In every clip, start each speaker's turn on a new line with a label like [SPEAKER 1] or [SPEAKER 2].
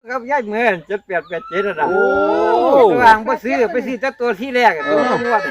[SPEAKER 1] กับย้ายเมื่อ7887นั่นน่ะ
[SPEAKER 2] โอ้
[SPEAKER 1] วางบ่ซื้อไปซื้อแต่ตัวที่แรกตัวงวด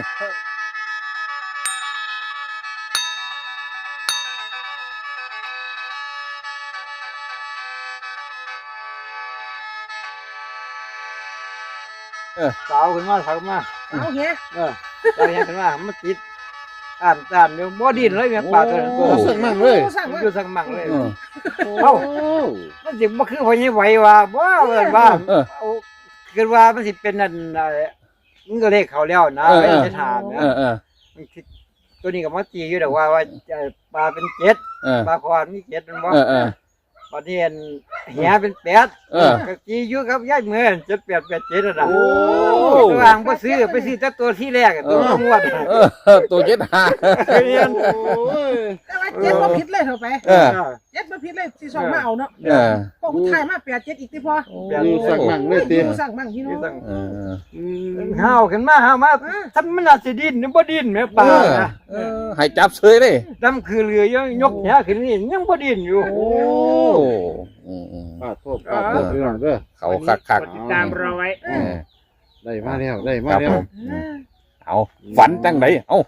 [SPEAKER 1] สาวขึ้นมาสาวมา
[SPEAKER 3] เอาเฮีย
[SPEAKER 1] สาวยังขึ้นมามันติดอ่านเดี๋ยวบ่ดิ้นเลยแม่ปลาตัวนั้นตัว
[SPEAKER 2] สั่งมั่งเลย
[SPEAKER 3] สั่ง
[SPEAKER 1] มัน
[SPEAKER 3] ว่า
[SPEAKER 1] อยู่สังมังเลย
[SPEAKER 2] เอ้า
[SPEAKER 1] มันสิบ่คือพอนี่ไหวว่าบ่เอิ้นว่าเอาคิดว่ามันสิเป็นนั่นมันก็เลขเขาแล้วนะไม่ได้ถามนะมันคิดตัวนี้ก็มาตีอยู่ดอกว่าปลาเป็น7ปลาคอนมี7มันบ่ตอนนี้เหียเป็น8ก็ตีอยู่ครับยายเมื่อ7887นั่นน่ะวางบ่ซื้อไปซื้อแต่ตัวที่แรกตัวงวด
[SPEAKER 2] ตัวเจ็ดหา
[SPEAKER 1] เรียน
[SPEAKER 3] แต่ว่าเจ็ดมาผิดเลยเถอะไป
[SPEAKER 2] เออ
[SPEAKER 3] เจ็ดมาผิดเลยที่สองมาเอาเนาะ พวกผู้ชายมา87อีกติพอ
[SPEAKER 2] สั่งมั่งเลยตี
[SPEAKER 3] สั่งมั่งพี่น้อง
[SPEAKER 1] ห้าวขึ้นมาห้าวมาทำมันน่าสิดิ้นบ่ดิ้นแม่ปลานะ
[SPEAKER 2] ให้จับเฉยเลย
[SPEAKER 1] ดำคือเรือยังยกแหขึ้นนี่ยังบ่ดิ้นอยู่
[SPEAKER 2] โอ้ปาดโทษพี่น้องเด้อเขาคัก
[SPEAKER 4] ติดตามเราไว้
[SPEAKER 2] ได้มาแล้วได้มา
[SPEAKER 1] ครับ
[SPEAKER 2] แล้ว
[SPEAKER 1] ผม
[SPEAKER 2] เอาฝันจังไดเอ้า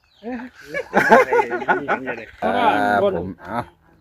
[SPEAKER 4] เพราะว่าบน
[SPEAKER 2] ผมเอา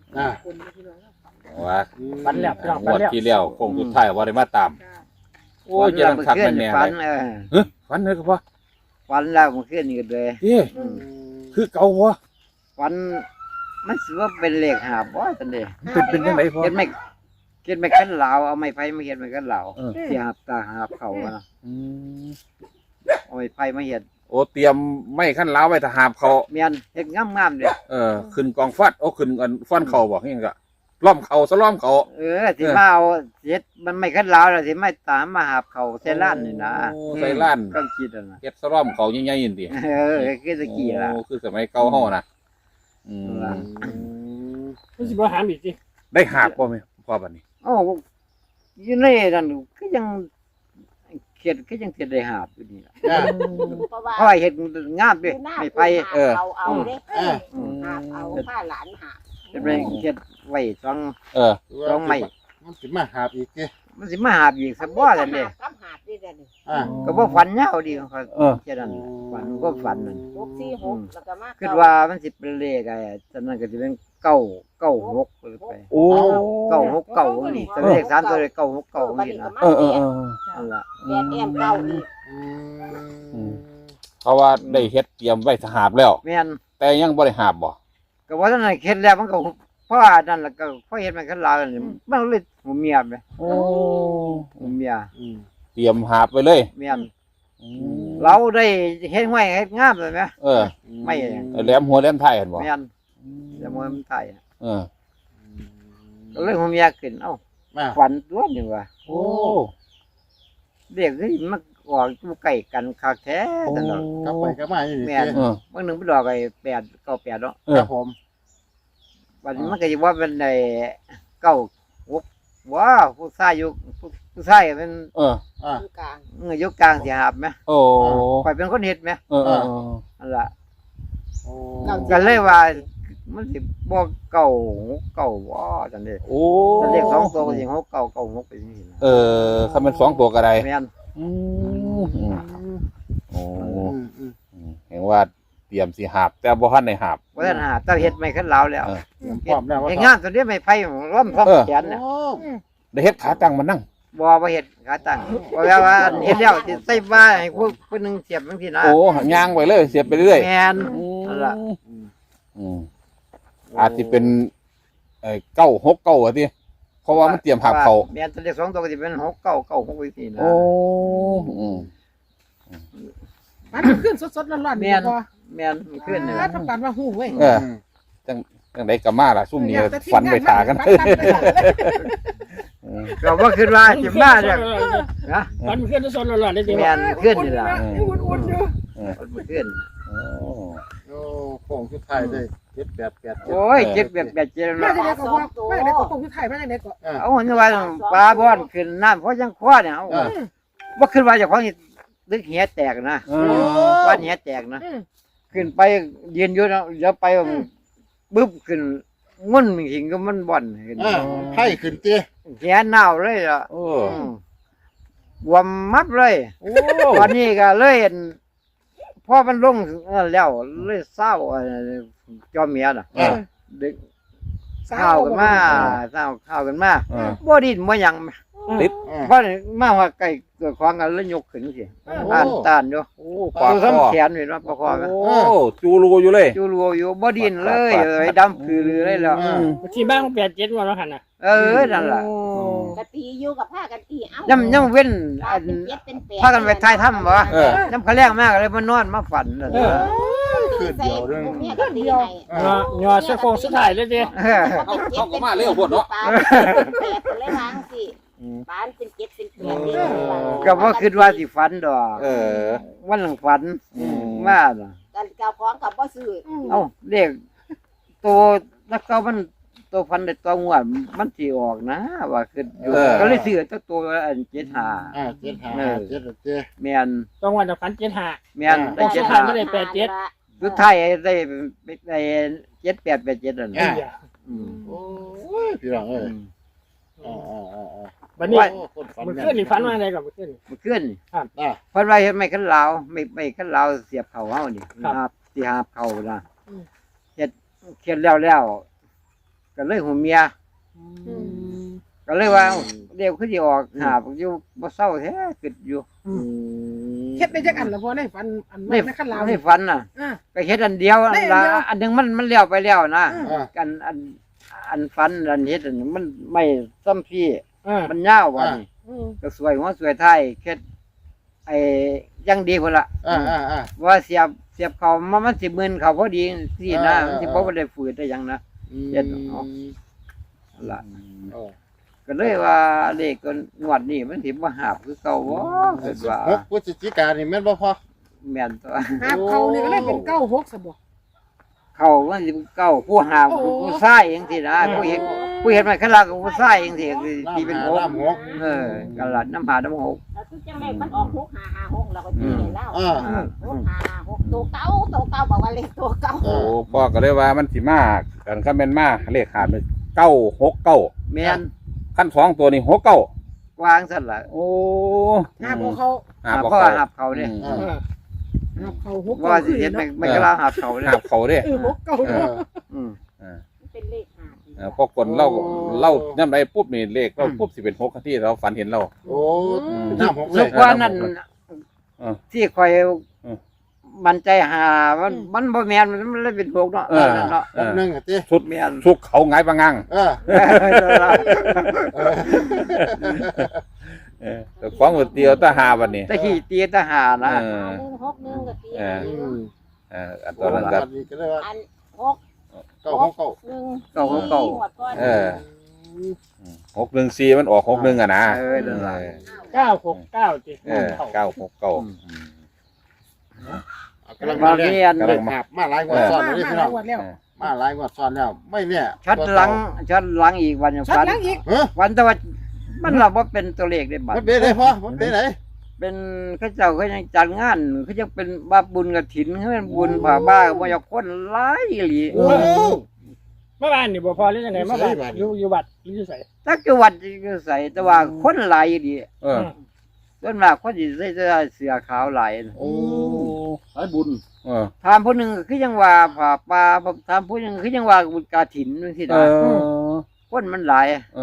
[SPEAKER 5] ว่า
[SPEAKER 4] ปันแล้วพี่น้อง
[SPEAKER 5] ง
[SPEAKER 4] ปัน
[SPEAKER 5] วด
[SPEAKER 4] แล้ว
[SPEAKER 5] ที่แล้วคงสุดท้ายว่าได้มาตาม โอ้ยเจะทักแม่นแน่
[SPEAKER 1] ฝั
[SPEAKER 5] เล
[SPEAKER 1] น
[SPEAKER 5] ยฝันเลยก็พอ
[SPEAKER 1] ฝันแล้วมันขึ้นนี่ก็เลย
[SPEAKER 5] เอ้คือเก่าวะ
[SPEAKER 1] ฝันมันสิว่าเป็นเลขหาบ่จังได๋
[SPEAKER 5] เป็นจังไดพอ
[SPEAKER 1] เฮ็ดไม่คันลาวเอาไม้ไผ่มาเฮ็ดไม่คันลาวสิหาบตาหาบเขานะเอาไม้ไผ่มาเฮ็ด
[SPEAKER 5] โอ้เตรียมไม่ขั้นล้าวไว้ถ้าหาบเขา
[SPEAKER 1] แม่นเฮ็ดงามๆเด้
[SPEAKER 5] ขึ้นกองฟัดโอ้ขึ้นอันฟันเขาบอกยังก็ล้อมเขาซะล้อมเขา
[SPEAKER 1] สิมาเอาเฮ็ดมันไม่คันลาวแล้วสิมาตามมาหาบเขาใส่ล้านนี่นะ
[SPEAKER 5] ใส่ล้าน
[SPEAKER 1] ก็คิดนะ
[SPEAKER 5] เฮ็ดซะล้อมเขาใหญ่ๆนี่ติ
[SPEAKER 1] คือตะกี้ล่ะ
[SPEAKER 5] โอ้คือสมัยเก่าเฮานะ
[SPEAKER 4] รู้สึกว่าหามอีกสิ
[SPEAKER 5] ได้หาบบ่แม่พ่อบัดนี้
[SPEAKER 1] โอ้อยู่ในนั่นก็ยังเขียดก็ยังเขียดได้หาบอยู่นี่ล่ะ
[SPEAKER 6] เพราะว่า
[SPEAKER 1] เพราะว่าเฮ็ดงามด้วยไม่ไผ่
[SPEAKER 6] เอาเด้เอาผ้าหลานหา
[SPEAKER 1] เฮ็ดไปเขียดไว้สองไม้
[SPEAKER 2] มันสิมาหาบอีกติ
[SPEAKER 1] มันสิมาหาบอีกซะบ่ล่ะเด้
[SPEAKER 6] กับหาดนี่เด้นี่
[SPEAKER 1] ก็บ่ฝันยาวดีเขาเขียดนั่นฝันก็ฝันนั่น
[SPEAKER 6] 646แล้วก็มา
[SPEAKER 1] คิดว่ามันสิเป็นเลขไอ้ตอนนั้นก็สิเป็น996ไป
[SPEAKER 5] โอ้
[SPEAKER 1] 969นี่แต่เลข3ตัวเลย969นี่นะ นั่นล่ะ
[SPEAKER 6] แม่แอมเก่าอีก
[SPEAKER 5] เพราะว่าได้เฮ็ดเตรียมไว้ถ้าหาบแล้ว
[SPEAKER 1] แม่น
[SPEAKER 5] แต่ยังบ่ได้หาบบ่
[SPEAKER 1] ก็ว่าท่านนเฮ็ดแล้วมันก็เพราะว่านั่นล่ะก็เพราะเฮ็ดมันกันลาวนี่มันเลยหูเมียแม่
[SPEAKER 5] โอ้
[SPEAKER 1] หูเมีย
[SPEAKER 5] เตรียมหาบไว้เลย
[SPEAKER 1] เมียนเราได้เฮ็ดห้วยเฮ็ดงามเลยแม่ ไม่
[SPEAKER 5] แหลมหัวแหลมท้ายเห็นบ่
[SPEAKER 1] เมียนจะมวยมันตาย
[SPEAKER 5] เออ
[SPEAKER 1] ก็เลยหูเมียขึ้นเอ้าฝันตัวนี่ว่า
[SPEAKER 5] โอ้
[SPEAKER 1] เด็กนี่มันออกอยู่ใกล้กันคักแท้ตลอด
[SPEAKER 2] กลับไปกลับมาอยู่นี่
[SPEAKER 1] แม่นบางนึงไปดอกไอ้898เนาะ
[SPEAKER 2] ครับผม
[SPEAKER 1] วันนี้มันก็สิว่าเป็นไอ้96ว้าผู้ชายอยู่ผู้ชายเป็น
[SPEAKER 6] อยู่กลาง
[SPEAKER 1] อยู่กลางสิหาบแม่
[SPEAKER 5] โอ้
[SPEAKER 1] ข่อยเป็นคนเฮ็ดแม่ นั่นล่ะ
[SPEAKER 2] โอ้
[SPEAKER 1] ก็เลยว่ามันสิบ่เก่าบ่จังได๋
[SPEAKER 5] โอ้
[SPEAKER 1] แต่เลข2ตัวก็สิ6 ไปจังซี่นะ
[SPEAKER 5] คันเป็น2ตัวก็ได้
[SPEAKER 1] แม่น
[SPEAKER 5] โอ้เห็นว่าเตรียมสิหาบแต่บ่ทันได้หาบ
[SPEAKER 1] บ่ทันหาแต่เฮ็ดไม่คันลาวแล้ว
[SPEAKER 2] พร้อมแล้วว่า
[SPEAKER 1] เฮ็ดงานตัวนี้ไม่ไผล้มพร้อมแขนน่ะ
[SPEAKER 5] ได้เฮ็ดขาตั้งมานั่ง
[SPEAKER 1] บ่เฮ็ดขาตั้งเพราะว่าเฮ็ดแล้วสิใส่ว่าให้ผู้นึงเสียบจังซี่นะ
[SPEAKER 5] โอ้ย่างไปเลยเสียบไปเรื่อย
[SPEAKER 1] แม่นนั่นล่ะ
[SPEAKER 5] อาจสิเป็น969อ่ะติเพราะว่ามันเตรียมหาบเขา
[SPEAKER 1] แม่นตัวเลข2ตัวก็สิเป็น6996ไปจังซี่นะ
[SPEAKER 5] โอ้
[SPEAKER 3] มันขึ้นสดๆร้อนๆนี่พอ
[SPEAKER 1] แม่นมันขึ้นนี่
[SPEAKER 3] ทำการว่าหู้เว้ย
[SPEAKER 5] จังได๋ก็มาล่ะซุ่มนี้ฝันไปทากัน
[SPEAKER 1] ก็บ่คิดว่าสิมาเด้อนะ
[SPEAKER 4] มันขึ้นสดๆร้อนๆได้ดี
[SPEAKER 1] แม่นขึ้นนี่ล่ะ
[SPEAKER 3] อุ่นๆอยู่
[SPEAKER 1] มันขึ้น
[SPEAKER 2] โอ้โค้งสุดท้ายได้788
[SPEAKER 1] โอ้ยเจ็บแบบเจ็บ
[SPEAKER 3] มา
[SPEAKER 1] แล้ว
[SPEAKER 3] จากไหนก็ว่ามาจากไหนก็คงอยู่ไทยมาจากไหนก็
[SPEAKER 1] เอาเห็นว่าปลาบ่อนขึ้นน้ำเพราะยังคว้าเนี่ยเอาบ่ขึ้นว่าเจ้าของนี่ดึกเหียแตกนะว่าเหียแตกนะขึ้นไปยืนอยู่เนาะเดี๋ยวไปบึ้บขึ้นงุ่นหิงก็มันบ่อนเห็น
[SPEAKER 2] ไข่ขึ้นเตี้ย
[SPEAKER 1] แขนหนาวเลยล่ะ
[SPEAKER 5] โอ้
[SPEAKER 1] บวมมัดเลย
[SPEAKER 5] โอ้
[SPEAKER 1] ตอนนี้ก็เลยพอมันลงแล้วเลยเศร้าจอมเมียน่ะดึกข้าวกันมาเศร้าข้าวกันมาบ่ดินบ่หยัง
[SPEAKER 5] ติด
[SPEAKER 1] เพราะมาว่าไก่เกิดของกันแล้วยกขึ้นสิต้านอยู่
[SPEAKER 5] โอ้ปาก
[SPEAKER 1] ตัว
[SPEAKER 5] คอ
[SPEAKER 1] ซ้ำแขนอยู่เนาะประคอง
[SPEAKER 5] โอ้จูรูอยู่เลย
[SPEAKER 1] จูรัวอยู่บ่ดินเลยดำคือเลยแล้ว
[SPEAKER 4] ที่บ้านมัน87วันแล้วหั่นน่ะ
[SPEAKER 1] นั่นล่ะ
[SPEAKER 6] กะตีอยู่กับผ้ากันตีเอ้า
[SPEAKER 1] ยังเว้น
[SPEAKER 6] เป็นเจ็ดเป็นแปด
[SPEAKER 1] พากันไปทายถ้ำบ่น้ำเขาแรงมากเลยมานอนมาฝันนั่น
[SPEAKER 2] ขึ้นเดียวเรื่อง
[SPEAKER 6] เนี่ยก็ตีให้
[SPEAKER 4] ยอดโค้งสุดท้ายเลยดิ
[SPEAKER 5] เขาก็มาเร็วพดเนาะ
[SPEAKER 6] เป็นเลยวางสิบ้านเป็นเจ็ดเป็นแปด
[SPEAKER 1] ก็บ่คิดว่าสิฝันดอก วันหลังฝันมาน่ะ
[SPEAKER 6] กันเก่าของกับบ่ซื้อ
[SPEAKER 1] เอ้าเด็กตัวนักเก่ามันตัวพันได้ตัวงวดมันสิออกนะว่าคืออยู่ก็เลยซื้อตัวอัน75
[SPEAKER 2] เจ็ดหาเจ็ดเตี้ย
[SPEAKER 1] แม่น
[SPEAKER 4] ต้องวันฝัน75
[SPEAKER 1] แม่นได้
[SPEAKER 4] เจ็ดห้าไม่ได้87
[SPEAKER 1] สุดท้ายได้7887นั่น
[SPEAKER 2] โอ้ยพี่น้องเอ้ย
[SPEAKER 4] บัดนี้
[SPEAKER 2] คนฝัน
[SPEAKER 4] มันขึ้นนี่ฝันว่าอะไรก่อนมันขึ้น
[SPEAKER 1] มันขึ้น
[SPEAKER 2] อ่ะ
[SPEAKER 1] เพิ่นว่าเฮ็ดไม่คันลาวไม่คันลาวเสียบเข้าเฮานี่สิหาบเข้านะเฮ็ดแล้วก็เลยหูเมียก็เลยว่าเดี๋ยวคือสิออกหาบอยู่บ่เศร้าแท้คิดอยู่
[SPEAKER 3] เฮ็ดได้จักอันละพ่อในฝันอันไม่ในขั้นลาว
[SPEAKER 1] ในฝันน่ะ
[SPEAKER 3] อ่า
[SPEAKER 1] ก็เฮ็ดอันเดียวอันละอันหนึงมันแล้วไปแล้วนะ
[SPEAKER 2] อ่ะ
[SPEAKER 1] อันฝันอันเฮ็ดอันมันไม่ซ้ำพี่ มันยาวว่านี่ ก็สวยหัวสวยท้ายแค่ไอ้ยังดีพุ่นละ ว่าเสียบเขามันสิมึนเขาพอดีสินะมันสิบ่ได้ฝืดได้หยังนะล่ะก็เลยว่าเลขก็งวดนี้มันสิบ่หาบคือเก่าบ่คิดว่า
[SPEAKER 2] พฤศจิกายนนี่แม่นบ่พอ
[SPEAKER 1] แม่นตัว
[SPEAKER 3] หาบเขานี่ก็เลยเป็น96ซะบ่
[SPEAKER 1] เขามันสิเก่าผู้หาบผู้ชายจังซี่นะผู้เฮ็ดมันคันลากับผู้ชายจังซี่คือที่เป็นหกกันละน้ำหาน้ำหก
[SPEAKER 6] แล้วทุกจังได๋มันออก6 5 5 6แล้วก็ตีให้แล้ว
[SPEAKER 2] อ่า
[SPEAKER 6] 6 5 6ตัวเก่าบอกว่าเลขตัวเก่า
[SPEAKER 5] โอ้พ่อก็เลยว่ามันสิมากกันคันแม่นมาเลขขาด969
[SPEAKER 1] แม่น
[SPEAKER 5] ขั้น2ตัวนี่69
[SPEAKER 1] วางซั่นล่ะ
[SPEAKER 5] โอ้
[SPEAKER 3] หาบเขา
[SPEAKER 5] หาบ
[SPEAKER 1] เพราะ
[SPEAKER 5] เขา
[SPEAKER 1] ว่าหาบเขาเด้
[SPEAKER 3] หาบเขา6
[SPEAKER 1] ว่าสิเฮ็ดไม่กล้าหาบเขาเด้
[SPEAKER 5] หาบเขาเด้
[SPEAKER 3] 6 9
[SPEAKER 1] อืม
[SPEAKER 6] เป็นเลข5
[SPEAKER 5] พอคนเล่าย่ำใดปุ๊บนี่เลขเราปุ๊บสิเป็น6ที่เราฝันเห็นเรา
[SPEAKER 2] โอ้น้ำหกเล
[SPEAKER 1] สุ
[SPEAKER 2] ย
[SPEAKER 1] กว่านั้น ที่คอย มันใจหามันบ่แม่นมันเลยเป็นพวกเนาะเนาะ
[SPEAKER 2] หนึ่งเตี้ย
[SPEAKER 5] ชุด
[SPEAKER 1] แม่น
[SPEAKER 5] ชุกเขาไงปะงังแต่ของหัวเตียวตาหาวันนี้
[SPEAKER 1] ตะขี้เตียตะหานะ
[SPEAKER 6] 1 6 1ก็ตี
[SPEAKER 5] อันตอนนั้นก็
[SPEAKER 2] ก็เลยว่า
[SPEAKER 6] อัน6
[SPEAKER 2] เก้าของเก้า
[SPEAKER 5] 614มันออก61อ่ะนะ
[SPEAKER 1] นั่นล่ะ
[SPEAKER 4] 969จิ
[SPEAKER 5] 969
[SPEAKER 2] กำลังมาเรียนมาหลายงวดซ้อนเลยพี่น้อง
[SPEAKER 3] แล้ว
[SPEAKER 2] มาหลายงวดซ้อนแล้วไม่เนี่ย
[SPEAKER 1] ชัดหลังอีกวัน
[SPEAKER 3] ชัด
[SPEAKER 1] ฝัน
[SPEAKER 3] หลังอีก
[SPEAKER 1] วันแต่ว่ามันเราบ่เป็นตัวเลขได้บัด
[SPEAKER 2] มันเป็นไหนพ่อมันเป็นไหน
[SPEAKER 1] เป็นเขาเจ้าเขายังจัดงานเขายังเป็นว่าบุญกฐินเขาเป็นบุญผ่าบ้าบ่อยากคนหลายอีหลี
[SPEAKER 2] โอ้
[SPEAKER 4] เมื่อวานนี่บ่พอหรือยังไงเมื่อวานอยู่บัตรอยู่ไส
[SPEAKER 1] จักจังหวัดก็ใส่แต่ว่าคนหลายอีหลีส่วนมากคนสิใส่เสื้อขาวหลาย
[SPEAKER 2] โอ้สายบุญ
[SPEAKER 1] ถามผู้หนึงคือยังว่าผ่าป่าถามผู้หนึงคือยังว่าบุญกฐินจังซี่นะคนมันหลาย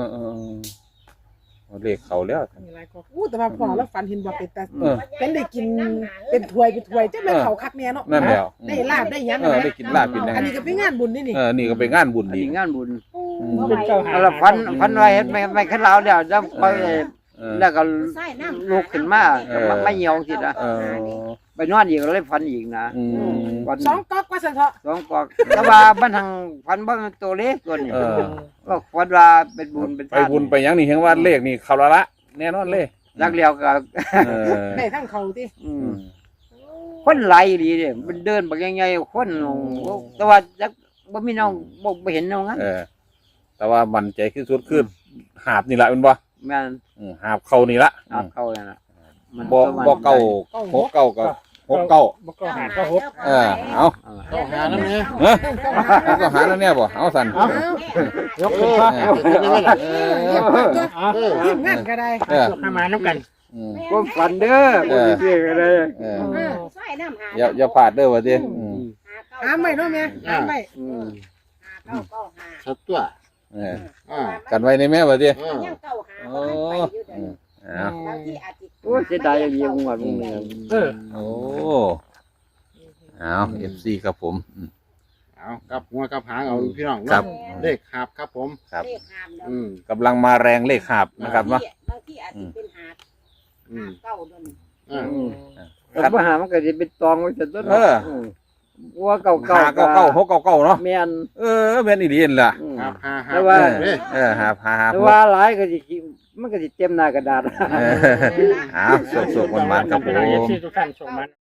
[SPEAKER 5] เลขเขาแล้ว
[SPEAKER 3] มีหลายก็แต่ว่าพ่อแล้วฝันเห็นว่าเป็นแต่เป็นได้กินเป็นถ้วยจังแม่นเขาคักแน่เนาะ
[SPEAKER 5] นั่นแล้ว
[SPEAKER 3] ได้ลาบได้หยัง
[SPEAKER 5] ได้กินลาบกิน
[SPEAKER 3] อันนี้ก็เป็นงานบุญนี่นี่
[SPEAKER 5] นี่ก็เป็นงานบุญ
[SPEAKER 1] อัน
[SPEAKER 5] ดี
[SPEAKER 1] นี้งานบุญ
[SPEAKER 4] เป็นเจ้าหา
[SPEAKER 1] แล้วพันไว้เฮ็ดไม่คันลาวแล้วแล้วไปแล้วก็
[SPEAKER 6] ใส่น้ำ
[SPEAKER 1] ลุกขึ้นมาไม่เหี่ยวสินะไปนอนอีกเลยฝันอีกนะวัน
[SPEAKER 3] 2ก๊อกว่าซั่นเถาะ
[SPEAKER 1] สองกอกแต่ว่าบ้านทางฝันบ่มันตัวเล็กตัวนี้ก็ฝันว่าเป็นบุญเป็น
[SPEAKER 5] ไปบุญไปยังนี่เห็นว่าเลขนี่เขาละแน่นอนเลย
[SPEAKER 1] รักเลียวก็
[SPEAKER 3] ได้ทั้งเขาติ
[SPEAKER 1] คนหลายดีเด้มันเดินบักใหญ่ๆคนแต่ว่าจักบ่มีน้องบ่เห็นน้องงั้น
[SPEAKER 5] แต่ว่ามันใจที่สุดคือหาบนี่ละเป็นบ่
[SPEAKER 1] แม่น
[SPEAKER 5] หาบเขานี่ละ
[SPEAKER 1] อาบเข้านั่นน่ะ
[SPEAKER 5] บ่เก่า6 9กับหกเก้า
[SPEAKER 4] บ่ก็หาก็หก
[SPEAKER 5] เออเอา
[SPEAKER 2] เข้าหาน้ำเนี่ย
[SPEAKER 5] เออมันก็หาแล้วเนี่ยบ่เอาสั่น
[SPEAKER 4] ยกขึ้นฟ้า
[SPEAKER 2] เอาขึ้นได้ไหมล่ะ
[SPEAKER 3] ทีมงานก็ได้
[SPEAKER 5] เออ
[SPEAKER 4] ให้มาน้ำกัน
[SPEAKER 5] อืม
[SPEAKER 1] ความฝันเด้อบ่สิเสียกันเลย
[SPEAKER 5] เออ
[SPEAKER 6] ซอยน้ำหา
[SPEAKER 5] อย่าพลาดเด้อว่าติอืม
[SPEAKER 3] หาไม่เนาะแม่หาไม่
[SPEAKER 6] เก้าเก้าหา
[SPEAKER 2] ชัดตัว
[SPEAKER 5] เออ
[SPEAKER 2] อ่า
[SPEAKER 5] กันไว้ในแม่ว่าติ
[SPEAKER 6] ยังเก้าหาบ่ทันไปอยู่เด้อ
[SPEAKER 5] เอา
[SPEAKER 6] บางทีอาจสิ
[SPEAKER 1] โอ้เสียดายอย่างเดียวงวดมึงเนี่ย
[SPEAKER 5] โอ้เอา FC ครับผมอืม
[SPEAKER 2] เอากับหัวกับหางเอาพี่น้อง
[SPEAKER 5] ครับ
[SPEAKER 2] เลขหาบครับผม
[SPEAKER 5] ครับ
[SPEAKER 6] เลขหามแล้ว
[SPEAKER 5] กำลังมาแรงเลขหาบนะครับเนาะ
[SPEAKER 6] บางทีอาจสิเป็นหาเก้าดน
[SPEAKER 2] อ่า
[SPEAKER 1] แต่ปัญหามันก็สิเป็นตองไว้ซะตัว
[SPEAKER 5] เออ
[SPEAKER 1] วัวเก่า
[SPEAKER 5] หาเก้าเก้าหกเก้าเก้าเนาะ
[SPEAKER 1] แม่น
[SPEAKER 5] เออแม่นอีหลีนั่นล่ะ
[SPEAKER 2] ครับหาหา
[SPEAKER 1] แต่ว่า
[SPEAKER 2] เด้อ
[SPEAKER 5] เออหาหา
[SPEAKER 1] แต่ว่าหลายก็สิมันก็สิเต็มหน้ากระดาษ
[SPEAKER 5] เออเอาสุกๆมันๆครับผ
[SPEAKER 4] เอฟ
[SPEAKER 5] ม
[SPEAKER 4] ซีทุกท่านส่งมา